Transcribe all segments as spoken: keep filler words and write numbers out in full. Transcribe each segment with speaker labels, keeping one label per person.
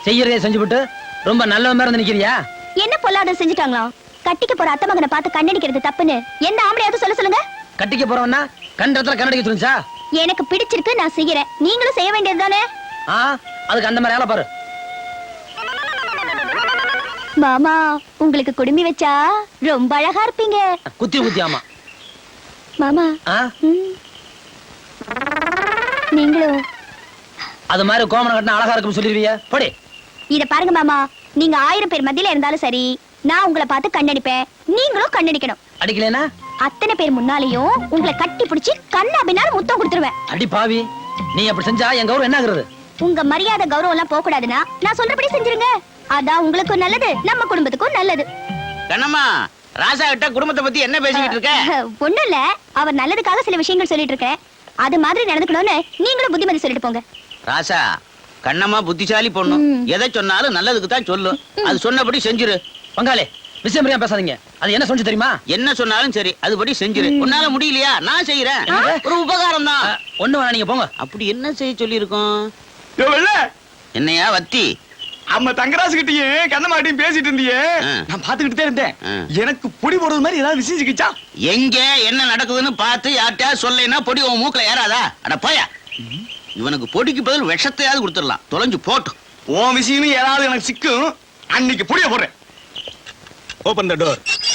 Speaker 1: செய்யறதே செஞ்சுவிட்டு ரொம்ப நல்ல மாதிரி இருந்து நிக்கிறியா?
Speaker 2: என்ன பொல்லாத செஞ்சுட்டாங்களா? கட்டிக்க போற அத்தை மகனை பார்த்து கண்ணடிக்கிறது தப்புன்னு எந்த ஆம்பளையாவது சொல்ல சொல்லுங்க.
Speaker 1: கட்டிக்க போறவன்னா கண்டத்துல கண்ணடிக்க சொல்லுச்சா?
Speaker 2: எனக்கு பிடிச்சிருக்கு, நான் செய்யறேன். நீங்களும் செய்ய வேண்டியது தானே?
Speaker 1: ஆ, அதுக்கு அந்த மாதிரி ஆள பாரு.
Speaker 2: மாமா, உங்களுக்கு குடுமி வச்சா ரொம்ப அழகா இருப்பீங்க.
Speaker 1: குத்தி குத்தி. ஆமா
Speaker 2: மாமா.
Speaker 1: ஆ,
Speaker 2: ம். நீங்களும்
Speaker 1: அது மாதிரி கோமணம் கட்டினா அழகா இருக்குன்னு சொல்லிருவியா? போடி.
Speaker 2: இத பாருங்க மாமா, நீங்க ஆயிரம் பேர் மத்தியில இருந்தாலும் சரி, நான் உங்களை பார்த்து கண்ணடிப்பேன். நீங்களும் கண்ணடிக்கணும்.
Speaker 1: அடிக்கலனா
Speaker 2: அத்தனை பேர் முன்னாலேயும் உங்களை கட்டி பிடிச்சி கண்ணா பின்னால முத்தம் கொடுத்துருவேன்.
Speaker 1: அடி பாவி, நீ அப்படி செஞ்சா என் கௌரவம் என்ன ஆகுறது?
Speaker 2: உங்க மரியாதை கௌரவம் எல்லாம் போக கூடாதுன்னா நான் சொல்றபடி செஞ்சிருங்க. அதான் உங்களுக்கும் நல்லது, நம்ம குடும்பத்துக்கும் நல்லது.
Speaker 3: கண்ணம்மா, ராசா கிட்ட குடும்பத்தை பத்தி என்ன பேசிக்கிட்டு இருக்க?
Speaker 2: ஒண்ணும் இல்ல, அவர் நல்லதுக்காக சில விஷயங்கள் சொல்லிட்டு இருக்கேன். அது மாதிரி நடந்துக்கணும்னு நீங்களும் புத்திமதி சொல்லிட்டு போங்க.
Speaker 3: ராசா, கண்ணம்மா புத்திசாலி பொண்ணு.
Speaker 2: ம்.
Speaker 3: எதை சொன்னாலும் நல்லதுக்கு தான் சொல்லும். அது சொன்னபடி செஞ்சிரு.
Speaker 1: பங்காளி, விஷயம் புரியாம பேசாதீங்க. அது என்ன சொன்னு தெரியுமா?
Speaker 3: என்ன சொன்னாலும் சரி, அதுபடி செஞ்சிரு. உன்னால முடியலையா? நான் செய்யறேன். ஒரு உபகாரம் தான்.
Speaker 1: ஒண்ணு வேணா, நீங்க போங்க.
Speaker 3: அப்படி என்ன செய்ய சொல்லி இருக்கோம்?
Speaker 4: வெள்ள
Speaker 3: என்னையா வத்தி?
Speaker 4: அம்மா தங்கராசு கிட்டயும் கண்ணமாட்டியும் பேசிட்டு இருந்தியே,
Speaker 3: ஆ.
Speaker 4: நான் பாத்துக்கிட்டே இருந்தேன்.
Speaker 3: ஆ.
Speaker 4: எனக்கு பொடி போடுறது மாதிரி ஏதாவது விஷயம் சிக்கிச்சா?
Speaker 3: எங்க என்ன நடக்குதுன்னு பார்த்து யார்கிட்டயா சொல்லேன்னா பொடி உன் மூக்கல ஏறாதா? அட போயா. இவனுக்கு பொடிக்கு பதில் விஷத்தையாவது கொடுத்துடலாம். தொலைஞ்சு போட்டும்.
Speaker 4: உன் விஷயம் ஏதாவது எனக்கு சிக்கும், அன்னைக்கு பொடிய போடுறேன். Open the door.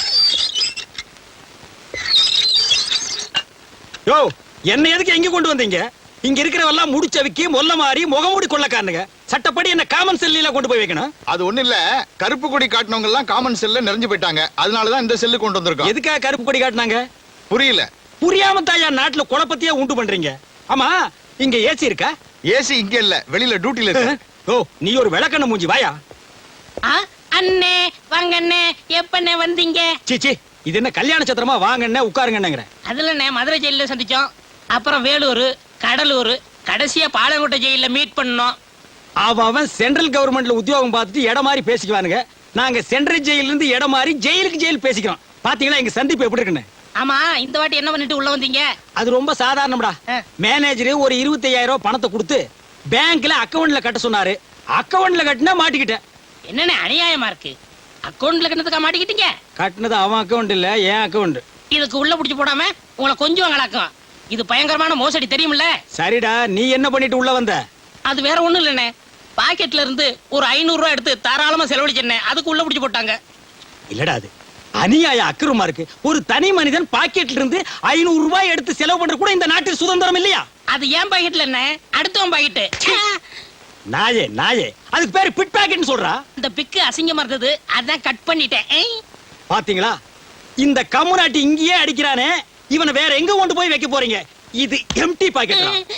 Speaker 4: யோ, என்ன எதுக்கு எங்க கொண்டு வந்தீங்க? இங்க இருக்கிறவெல்லாம் முடிச்சவிக்கி மொல்ல மாறி முகமூடி கொள்ளக்காரனுங்க. சட்டப்படி என்ன காமன் செல்லில கொண்டு போய் வைக்கணும்.
Speaker 5: அது ஒண்ணு இல்ல, கருப்பு கொடி காட்டினவங்க எல்லாம் காமன் செல்ல நிறைஞ்சு போயிட்டாங்க. அதனாலதான் இந்த செல்லு கொண்டு வந்திருக்கோம்.
Speaker 4: எதுக்காக கருப்பு கொடி காட்டினாங்க?
Speaker 5: புரியல.
Speaker 4: புரியாம தாயா நாட்டுல குழப்பத்தையே உண்டு பண்றீங்க. ஆமா, இங்க ஏசி இருக்கா?
Speaker 5: ஏசி இங்க இல்ல, வெளியில டியூட்டில இருக்கு.
Speaker 4: ஓ, நீ ஒரு விளக்கண்ண மூஞ்சி, வாயா.
Speaker 6: அண்ணே வாங்கண்ணே, எப்பண்ணே வந்தீங்க?
Speaker 4: சீச்சி, இது என்ன கல்யாண சத்திரமா? வாங்கண்ணே உட்காருங்கன்னுங்கிற.
Speaker 6: அதுல மதுரை ஜெயில சந்திச்சோம், அப்புறம் வேலூர், கடலூர், கடைசியா பாலங்கோட்டை ஜெயில மீட் பண்ணோம்.
Speaker 4: அவன் அவன் சென்ட்ரல் கவர்மெண்ட்ல உத்தியோகம் பார்த்துட்டு இடம் மாதிரி பேசிக்குவானுங்க. நாங்க சென்ட்ரல் ஜெயில இருந்து இடம் மாதிரி ஜெயிலுக்கு ஜெயில் பேசிக்கிறோம். பாத்தீங்களா எங்க சந்திப்பு எப்படி இருக்குன்னு?
Speaker 6: ஆமா, இந்த வாட்டி என்ன பண்ணிட்டு உள்ள வந்தீங்க?
Speaker 4: அது ரொம்ப சாதாரணம்டா. மேனேஜர் ஒரு இருபத்தி ஐயாயிரம் ரூபாய் பணத்தை கொடுத்து பேங்க்ல அக்கவுண்ட்ல கட்ட சொன்னாரு. அக்கவுண்ட்ல கட்டினா மாட்டிக்கிட்டேன்.
Speaker 6: என்னண்ணே அநியாயமா இருக்கு? அக்கவுண்ட்ல கிணத்துக்கா மாட்டிக்கிட்டீங்க?
Speaker 4: கட்டினது அவன் அக்கவுண்ட் இல்ல, என் அக்கவுண்ட்.
Speaker 6: இதுக்கு உள்ள புடிச்சு போடாம உங்களை கொஞ்சம் கலக்கும். இது பயங்கரமான மோசடி, தெரியுமில்ல?
Speaker 4: சரிடா, நீ என்ன பண்ணிட்டு உள்ள வந்த?
Speaker 6: அது வேற ஒண்ணும் இல்லண்ணே, பாக்கெட்ல இருந்து ஒரு ஐநூறு ரூபாய் எடுத்து தாராளமா செலவழிச்சேன். அதுக்கு உள்ள புடிச்சு போட்டாங்க.
Speaker 4: இல்லடா, அது அநியாய அக்கிரமா இருக்கு. ஒரு தனி மனிதன் பாக்கெட்ல இருந்து ஐநூறு ரூபாய் எடுத்து செலவு பண்ற கூட இந்த நாட்டில் சுதந்திரம் இல்லையா?
Speaker 6: அது ஏன் பாக்கெட்ல என்ன, அடுத்தவன் பாக்கெட்டு.
Speaker 4: நாயே நாயே, அதுக்கு பேரு பிட் பாக்கெட்னு சொல்றா.
Speaker 6: இந்த பிக்கு அசிங்கமா இருந்தது, அதான் கட் பண்ணிட்டேன். ஏய்,
Speaker 4: பாத்தீங்களா, இந்த கம்முனாட்டி இங்கேயே அடிக்கிறானே, இவனை வேற எங்க கொண்டு போய் வைக்க போறீங்க? இது எம்டி பாக்கெட்.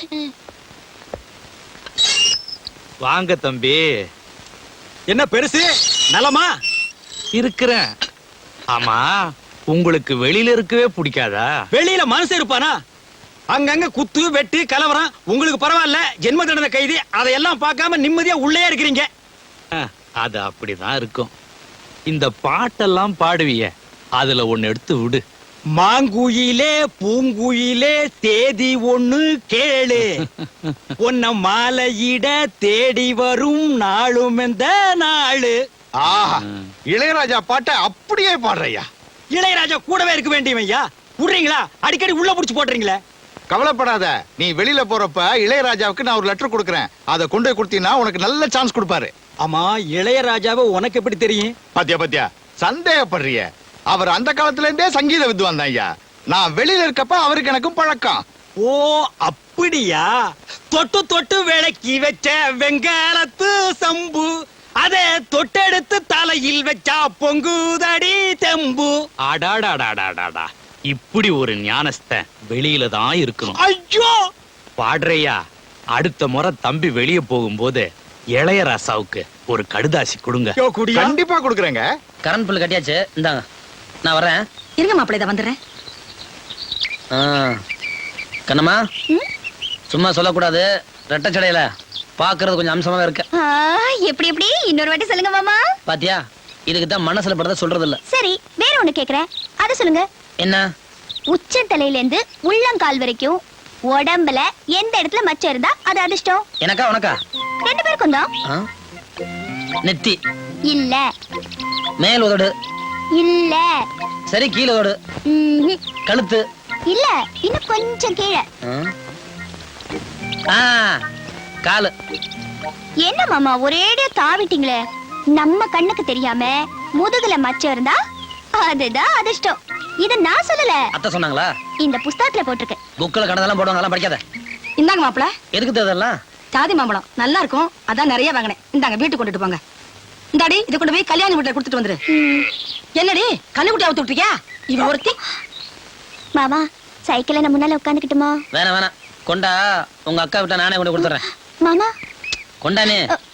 Speaker 7: வாங்க தம்பி.
Speaker 4: என்ன பெருசு, நலமா
Speaker 7: இருக்கிறேன். ஆமா, உங்களுக்கு வெளியில இருக்கவே பிடிக்காதா?
Speaker 4: வெளியில மனசு இருப்பானா? அங்கங்க குத்து வெட்டு கலவரம். உங்களுக்கு பரவாயில்ல, ஜென்ம தண்டனை கைதி. அதையெல்லாம் பார்க்காம நிம்மதியா உள்ளே இருக்கிறீங்க.
Speaker 7: அஹ், அது அப்படிதான் இருக்கும். இந்த பாட்டெல்லாம் பாடுவிய, அதுல ஒண்ணு எடுத்து விடு.
Speaker 4: மாங்குயிலே பூங்குயிலே தேதி ஒண்ணு கேளு, உன்ன மாலையிட தேடி வரும் நாளும் எந்த நாளு.
Speaker 5: ஆஹா, இளையராஜா பாட்டை அப்படியே பாடுறையா.
Speaker 4: இளையராஜா கூடவே இருக்க வேண்டியவன் ஐயா. விடுறீங்களா? அடிக்கடி உள்ள புடிச்சு போடுறீங்களே.
Speaker 5: கவலைப்படாத, நீ வெளியில போறப்ப இளையராஜாவுக்கு நான் ஒரு லெட்டர் கொடுக்கறேன். அதை கொண்டு போய் கொடுத்தீங்கன்னா உனக்கு நல்ல சான்ஸ் கொடுப்பாரு.
Speaker 4: ஆமா, இளையராஜாவை உனக்கு எப்படி தெரியும்?
Speaker 5: பாத்தியா பாத்தியா, சந்தேகப்படுறிய. அவர் அந்த காலத்துல இருந்தே சங்கீத வித்வான் தான் ஐயா. நான் வெளியில இருக்கப்ப அவருக்கு எனக்கும் பழக்கம்.
Speaker 4: ஓ அப்படியா? தொட்டு தொட்டு விளக்கி வச்ச வெங்காலத்து சம்பு, அதே தொட்டெடுத்து தலையில் வச்சா பொங்குதடி தெம்பு.
Speaker 7: அடாடாடாடாடாடா, இப்படி ஒரு ஞானஸ்தன் வெளியில தான் இருக்கணும்.
Speaker 4: ஐயோ,
Speaker 7: பாடுறையா, அடுத்த முறை தம்பி வெளிய போகும்போது இளையராசாவுக்கு ஒரு கடுதாசி கொடுங்க.
Speaker 4: யோ, குடியா?
Speaker 5: கண்டிப்பா கொடுக்குறேங்க.
Speaker 1: கரண்ட் பில் கட்டியாச்சு, இந்தாங்க. நான் வரேன்.
Speaker 8: இருங்க மாப்பிள்ளை, இதை வந்துடுறேன்.
Speaker 1: ஆ, கண்ணம்மா, சும்மா சொல்லக்கூடாது. ரெட்டச்சடையில பாக்குறது கொஞ்சம் அம்சமாவே இருக்கு.
Speaker 2: ஆ, எப்படி எப்படி இன்னொரு வாட்டி சொல்லுங்க மாமா.
Speaker 1: பாத்தியா, இதுக்கு தான் மனசுல படுறத சொல்றது இல்ல.
Speaker 2: சரி, வேற ஒண்ணு கேக்குறேன், அது சொல்லுங்க.
Speaker 1: என்ன?
Speaker 2: உச்ச தலையில இருந்து உள்ளங்கால் வரைக்கும் உடம்புல எந்த இடத்துல மச்சம் இருந்தா அது அதிர்ஷ்டம்?
Speaker 1: எனக்கா உனக்கா?
Speaker 2: ரெண்டு பேருக்கும் தான்.
Speaker 1: ஆ? நெத்தி.
Speaker 2: இல்ல
Speaker 1: மேல் உதடு.
Speaker 2: இல்ல
Speaker 1: சரி, கீழ உதடு.
Speaker 2: ம்ஹும்.
Speaker 1: கழுத்து.
Speaker 2: இல்ல இன்னும் கொஞ்சம் கீழே.
Speaker 1: ஆ, காலு.
Speaker 2: என்ன மாமா ஒரேடியா தாவிட்டீங்களே. நம்ம கண்ணுக்கு தெரியாம முதுகுல மச்சம் இருந்தா அதுதான் அதிர்ஷ்டம். இத நான் சொல்லல,
Speaker 1: அத்தை சொன்னாங்களா?
Speaker 2: இந்த புஸ்தகத்துல போட்டிருக்கு.
Speaker 1: புக்ல கணதெல்லாம் போடுவாங்க, படிக்காத.
Speaker 8: இந்தாங்க மாப்பிள,
Speaker 1: எதுக்கு தேதெல்லாம்?
Speaker 8: ஜாதி மாம்பழம் நல்லா இருக்கும், அதான் நிறைய வாங்கினேன். இந்தாங்க வீட்டுக்கு கொண்டுட்டு போங்க. இந்தாடி இதை கொண்டு போய் கல்யாணி வீட்டுல கொடுத்துட்டு வந்துரு. என்னடி கண்ணுக்குட்டி அவுத்து விட்டுருக்கியா? இவ ஒருத்தி.
Speaker 2: மாமா சைக்கிள்ல நான் முன்னால உட்காந்துக்கிட்டுமா?
Speaker 1: வேணாம் வேணாம், கொண்டா. உங்க அக்கா விட்ட நானே கொண்டு கொடுத்துறேன்.
Speaker 2: மாமா
Speaker 1: கொண்டானே.